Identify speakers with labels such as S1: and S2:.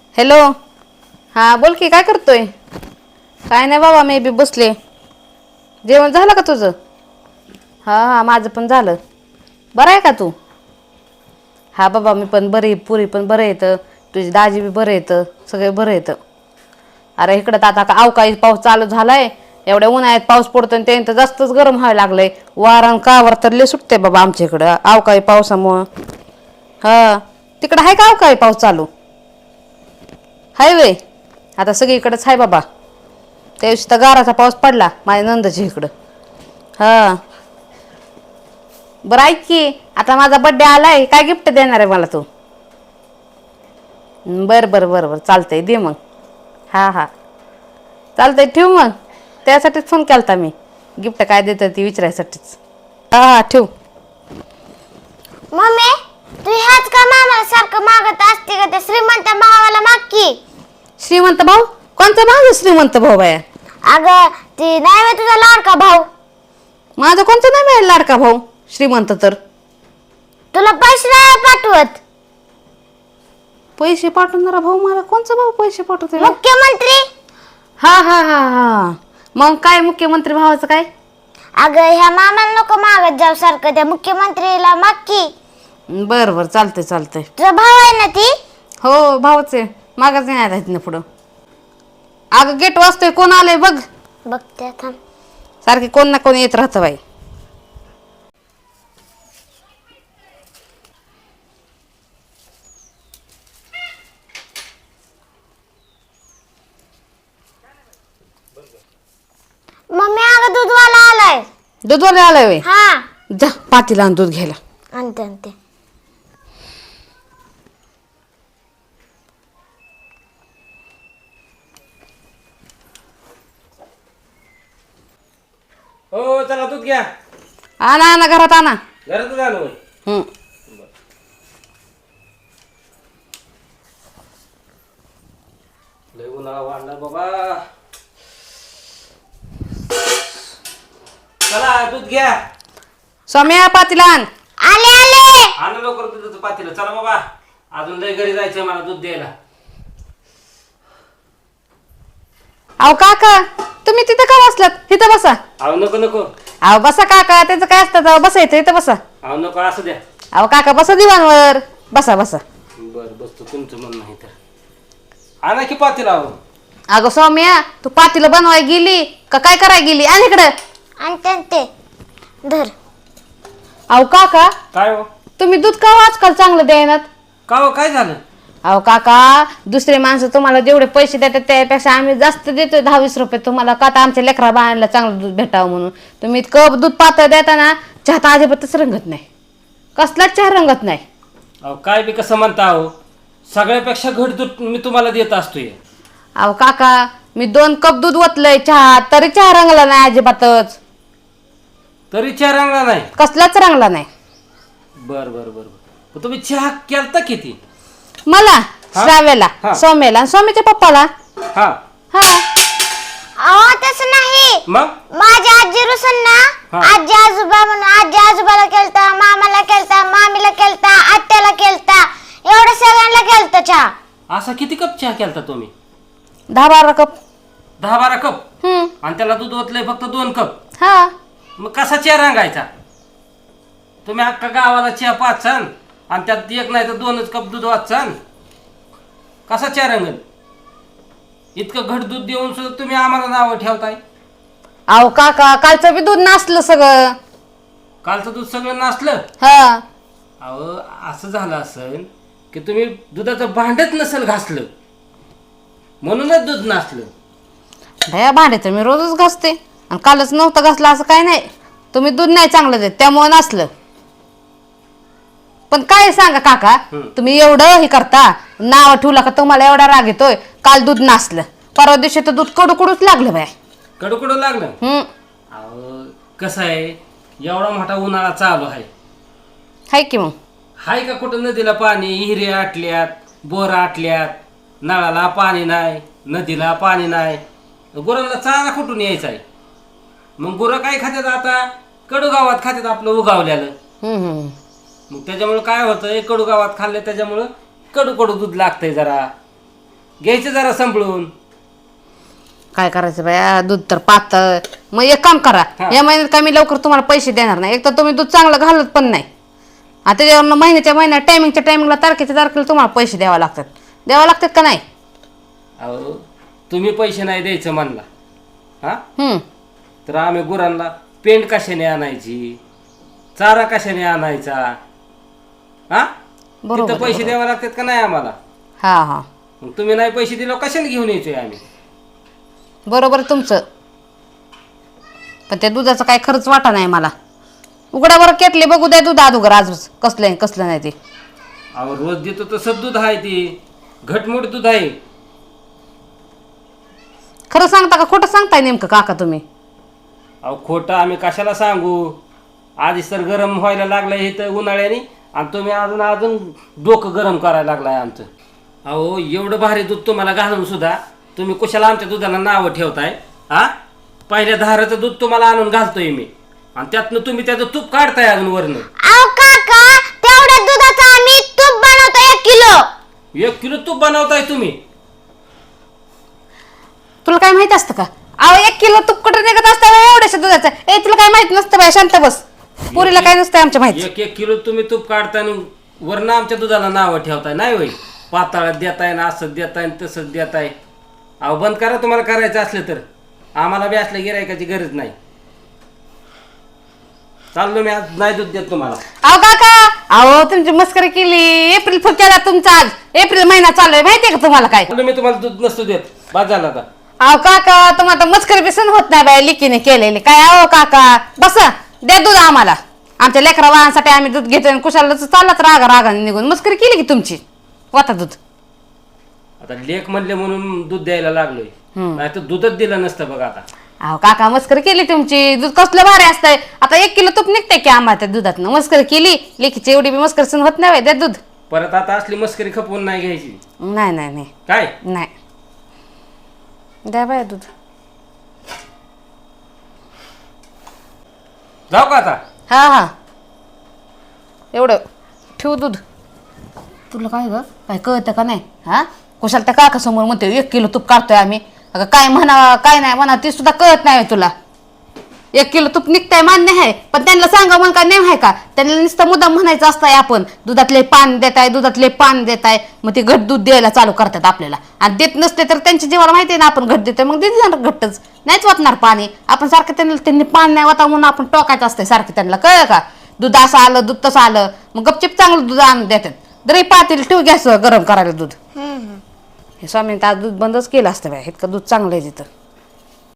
S1: Hello. हां बोल की, काय करतोय? काय नाही बाबा, मी बी बसले. जेवण झालं का तुझं? हां हां, माझं पण झालं. बरं आहे का तू? हा बाबा, मी पण बरी, पुरी पण बरं येतं, तुझी दाजी बी बरं येतं, सगळे बरं येतं. अरे इकडं तर आता अवकाळी पाऊस चालू झालाय. एवढ्या उन्हाळ्यात पाऊस पडतो आणि त्यानं तर जास्तच गरम व्हायला लागलंय. वारण कावर तर लय सुटते बाबा आमच्या इकडं अवकाळी पावसामुळं. हा, तिकडं आहे का अवकाळी पाऊस चालू? हाय वे. आता सगळीकडेच आहे बाबा. त्या दिवशी तर गाराचा पाऊस पडला माझ्या नंदच्या इकडं. हा, बरं ऐक की, आता माझा बड्डे आलाय, काय गिफ्ट देणार आहे मला तू? बरं बरं बरं बरं, चालतंय, दे मग. हां हां, चालतंय, ठेवू मग. त्यासाठीच फोन केला होता मी, गिफ्ट काय देतं ती विचारायसाठीच. हां हां, ठेव.
S2: मम्मी, तू ह्याच का मामाला सारखं मागत असते का? त्या श्रीमंत भावाला माग की.
S1: श्रीमंत भाऊ? कोणता माझा श्रीमंत भाऊ बाया?
S2: अगं ती नाही होय तुझा लाडका भाऊ.
S1: माझा कोणता नाही मिळेल लाडका भाऊ श्रीमंत तर.
S2: तुला पैसे नाही पाठवत.
S1: पैसे पाठवणारा भाऊ मला कोणचा भाऊ पैसे पाठवते?
S2: मुख्यमंत्री.
S1: हा हा हा हा, मग काय मुख्यमंत्री भावाचं काय?
S2: अगं ह्या मामाला नको मागत जाऊ सारखं, त्या मुख्यमंत्रीला माग की.
S1: बरं बरं, चालतंय चालतंय.
S2: तुझा भाऊ आहे ना ती?
S1: हो भाऊच आहे, मागच नाही आता इथनं पुढं. अगं गेट वाजतोय, कोण आलंय बघ.
S2: बघते थांब.
S1: सारखे कोण ना कोण येत राहतं बाई.
S2: मम्मी, अगं दूधवाला आलाय.
S1: दूधवाले आलाय वे?
S2: हा,
S1: जा पातीला आण दूध घ्यायला.
S2: आणते आणते.
S3: हो, चला दूध घ्या.
S1: आणा आणा, घरात आणा.
S3: घरातच आलो होय.
S1: हम्म.
S3: लय उन्हाळा वाढला बाबा. चला दूध घ्या.
S1: सौम्या पातीला आण.
S2: आले आले.
S3: आण लवकर दुधाचं पातेलं. चला बाबा, अजून लय घरी जायचंय मला दूध द्यायला.
S1: अहो काका, तुम्ही तिथं का बसलात? तिथं बसा.
S3: अहो नको नको.
S1: अहो बसा काका, त्याचं काय असतं तेव्हा बसायचं, इथं बसा.
S3: अहो नको, असं द्या.
S1: अहो काका बसा दिवाणवर, बसा बसा.
S3: बर, बसतो, तुमचं मन नाही तर. आणा की पातेलं. अहो
S1: अगं सौम्या, तू पातीला बनवाय गेली का काय कराय गेली? आणि इकडं.
S2: आणते आणते. धर.
S1: अहो काका,
S3: काय हो?
S1: तुम्ही दूध का आजकाल चांगलं द्यायनात?
S3: का हो, काय झालं?
S1: अहो काका, दुसरे माणसं तुम्हाला जेवढे पैसे देतात त्यापेक्षा आम्ही जास्त देतोय, 10-20 रुपये तुम्हाला, का तर आमच्या लेकरा बाळांना चांगलं दूध भेटावं म्हणून. तुम्ही इतकं दूध पातळ देताना चहा तर अजिबातच रंगत नाही, कसलाच चहा रंगत नाही.
S3: अहो काय बी कसं म्हणता? अहो सगळ्यापेक्षा घट दूध मी तुम्हाला देत असतोय.
S1: अहो काका, मी 2 कप दूध ओतलंय चहा, तरी चहा रंगला नाही अजिबातच,
S3: तरी चहा रंगला नाही?
S1: कसलाच रंगला नाही.
S3: बर बर बर बर. तुम्ही चहा केलता किती?
S1: मला,
S3: हा?
S1: श्राव्याला,
S3: हा.
S1: सौम्याला आणि सौम्याच्या पप्पाला.
S3: हा,
S1: हा.
S2: अहो तसं नाही.
S3: मग
S2: माझ्या आजी रुसन ना,
S3: हा.
S2: आजी आजोबा म्हणून आजी आजोबाला केलता, मामाला केलता, मामीला केलता, आत्याला केलता, एवढं सगळ्यांना केलता चहा.
S3: असा किती कप चहा केलता तुम्ही?
S1: 10-12 कप.
S3: 10-12 कप?
S1: हम्म.
S3: आणि त्याला दूध ओतलंय फक्त 2 कप?
S1: हा.
S3: मग कसा चहा रंगायचा? तुम्ही अख्खा गावाला चहा पाचसान आणि त्यात एक नाही तर 2च कप दूध वाचसान, कसा चहा रंगल? इतकं घट दूध देऊन सुद्धा तुम्ही आम्हाला नावं ठेवताय.
S1: अहो काका, कालचं बी दूध नासलं सगळं.
S3: कालचं दूध सगळं नासलं?
S1: हा.
S3: अहो असं झालं असेल की तुम्ही दुधाचं भांडच नसेल घासलं, म्हणूनच दूध नासलं.
S1: भया भांडे तर मी रोजच घासते आणि कालच नव्हतं घासलं असं काय नाही. तुम्ही दूध नाही चांगलं देत त्यामुळे नसलं. पण काय सांगा काका, तुम्ही एवढं हे करता, नाव ठेवलं का तुम्हाला एवढा राग येतोय? काल दूध नासलं, परवा दिवशी तर दूध कडूकडूच लागलं बाय.
S3: कडू लागलं? अहो कसं आहे, एवढा मोठा उन्हाळा चालू आहे,
S1: हाय की मग.
S3: हाय का कुठं नदीला पाणी? हिरे आटल्यात, बोर आटल्यात, नळाला पाणी नाही, नदीला पाणी नाही, गुरांना चारा कुठून यायचा आहे? मग गुरं काय खात्यात आता? कडू गावात खात्यात आपलं उगावल्यालं. मग त्याच्यामुळे काय होतं, कडू गावात खाल्लं त्याच्यामुळं कडू दूध लागतंय जरा. घ्यायचं जरा संपळून.
S1: काय करायचं बाया, दूध तर पातळ. मग एक काम करा,
S3: हा.
S1: या महिन्यात काय मी लवकर तुम्हाला पैसे देणार नाही. एक तर तुम्ही दूध चांगलं घालत पण नाही, आता त्याच्यावर महिन्याच्या महिन्यात टायमिंगला तारखेच्या तारखेला तुम्हाला पैसे द्यावे लागतात का नाही?
S3: अहो तुम्ही पैसे नाही द्यायचं म्हणला हा,
S1: हम्म.
S3: तर आम्ही गुरांना पेंड कशाने आणायची, चारा कशाने आणायचा हा,
S1: बरोबर
S3: तिथं पैसे द्यावे लागतात का नाही आम्हाला?
S1: हा हा,
S3: मग तुम्ही नाही पैसे दिले कशाने घेऊन यायचोय आम्ही?
S1: बरोबर तुमचं. पण त्या दुधाचा काय खर्च वाटा नाही मला. उघडा बरं केटले बघू द्या दूध अगोदर आजच कसलं आहे कसलं नाही ते.
S3: अहो रोज देतो तसं दूध आहे, ती घटमुट दूध आहे.
S1: खरं सांगता का खोटं सांगताय नेमकं काका तुम्ही?
S3: अहो खोटं आम्ही कशाला सांगू, आधीच तर गरम व्हायला लागलंय इथं उन्हाळ्याने, आणि तुम्ही अजून अजून डोकं गरम करायला लागलाय आमचं. अहो एवढं भारी दूध तुम्हाला घालून सुद्धा तुम्ही कुशाला आमच्या दुधाला नावं ठेवताय हा? पहिल्या धाराचं दूध तुम्हाला आणून घालतोय मी, आणि त्यातनं तुम्ही त्याचं तूप काढताय अजून वरनं.
S2: अहो काका, तेवढ्या दुधाचं आम्ही तूप बनवतो 1 किलो.
S3: 1 किलो तूप बनवताय तुम्ही.
S1: तुला काय माहित असतं का? अहो 1 किलो तूप कुठं निघत असतं एवढ्याशा दुधाचं? ए तुला काय माहित नसतं बाय, शांत बस. पुरीला काय नसतं आमच्या माहिती.
S3: 1 किलो तुम्ही तूप काढताय आणि वरनं आमच्या दुधाला नावं ठेवताय. नाही होय, पाताळात देताय ना, असं देताय ना तसंच देताय. अहो बंद करा तुम्हाला करायचं असलं तर, आम्हाला बी असल्या गिरायकाची गरज नाही. चाललो मी, आज नाही दूध देत तुम्हाला.
S1: अहो काका, अहो तुमची मस्करी केली. एप्रिल फुल केला तुमचा, आज एप्रिल महिना चालू आहे माहितीये का तुम्हाला काय?
S3: चाललो मी, तुम्हाला दूध नसतो देत. बाद झाला आता.
S1: अहो काका, तुम्हाला मस्करी बी सहन होत नाही बाय लिकीने केलेली. काय अहो काका, बसा द्या दूध आम्हाला. आमच्या लेकरा वाहनासाठी आम्ही दूध घेतोय आणि कुशाला चाललाच रागाने निघून. मस्करी केली की तुमची. वाता दूध.
S3: आता लेख म्हणले म्हणून दूध द्यायला लागलोय, नाही तर दूधच दिलं नसतं बघा आता.
S1: अहो काका, मस्करी केली तुमची. दूध कसलं भारी असतंय. आता 1 किलो तूप निघतंय की आम्हाला त्या दुधातनं. मस्करी केली, लेकीची एवढी बी मस्करी सहन होत नाही बाय. द्या दूध.
S3: परत आता असली मस्करी खपवून नाही घ्यायची.
S1: नाही नाही नाही
S3: काय
S1: नाही, द्या बाय दूध.
S3: जाऊ का आता?
S1: हा हा, एवढं ठेव दूध. तुला काय ग, काय कळतं का नाही? हा, कुशाल त्या काका समोर म्हणते 1 किलो तूप काढतोय आम्ही. अगं काय म्हणावं काय नाही म्हणा ते सुद्धा कळत नाही तुला. 1 किलो तूप निघताय मान्य आहे, पण त्यांना सांगा मग काय नाही आहे का? त्यांना नुसतं मुद्दाम म्हणायचं असतंय आपण दुधातले पान देताय, दुधातले पान देताय. मग ते घट दूध द्यायला चालू करतात आपल्याला, आणि देत नसले तर त्यांच्या जीवाला माहिती आहे ना आपण घट देतोय, मग देत जाणार घट्टच. नाहीच वाटणार पाणी. आपण सारखं त्यांनी पान नाही वाटा म्हणून आपण टोकायचं असतंय सारखं त्यांना. कळलं का? दूध असं आलं, दूध तसं आलं, मग गपचिप चांगलं दूध आणून देतात. दरी पातील ठेव गॅस गरम करायला दूध. हे स्वामीने आज दूध बंदच केलं असतं बाय, इतकं दूध चांगलं आहे तिथं.